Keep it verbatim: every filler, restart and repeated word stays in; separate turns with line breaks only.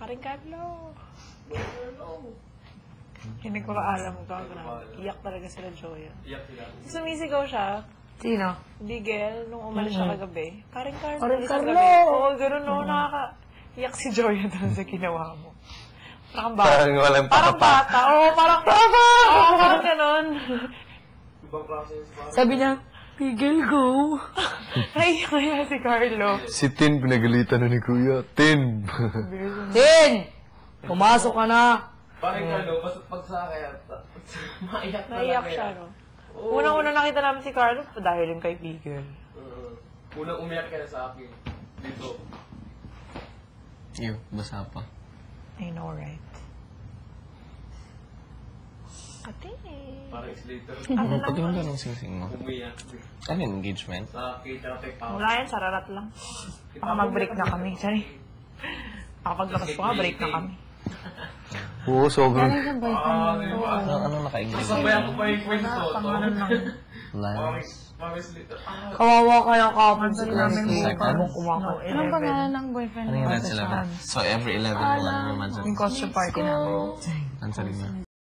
Paring Carlo. Hindi ko ka alam ka. Iyak talaga sila, Joya.
Iyak sila.
Sumisigaw siya.
Sino?
Bigel, nung umalis siya kagabi. Paring Carlo.
Paring
isang
Carlo!
gabi. Oo, gano'n, no, nakaka... Iyak si Joya doon sa ginawa mo. Parang bata.
Parang walang
Parang
pakapa.
bata. Oo, parang... Papa! Oo, parang gano'n.
Ibang klase yung spa.
Sabi niya, Bigel, go!
Naiyak kaya si Carlo.
Si Tin, pinagalitan na ni Kuya. Tin!
Tin! Pumasok ka na!
Parang Carlo, basta pag sa akin, maiyak na
Naiyak siya, no? Unang-una nakita namin si Carlo dahil yung kay Bigel.
Uh, unang umiyak ka na sa akin. Dito.
Iyo, basa pa.
I know, right? Ate.
Parang slater.
Ano pati mo ganong sing-sing mo?
Umiyak.
Ano yung engagement?
Sa K-Traffic Power.
Wala yan, sararat lang. Baka mag-break na kami. Sorry. Papaglabas ko nga, break na kami.
Oo, sobrang...
Ah, di ba?
Ano, ano naka-engagement?
Sabayan ko pa yung kwento.
Pangalan lang.
Lines.
Mami slater. Ah,
Kawawa kaya kapon si
namin
Christy.
Like, ano?
No,
Anong pangalan ng boyfriend
Ano yung red eleven? So every eleven mo, ano naman sa...
Yung costume party namin.
Ang sabi mo?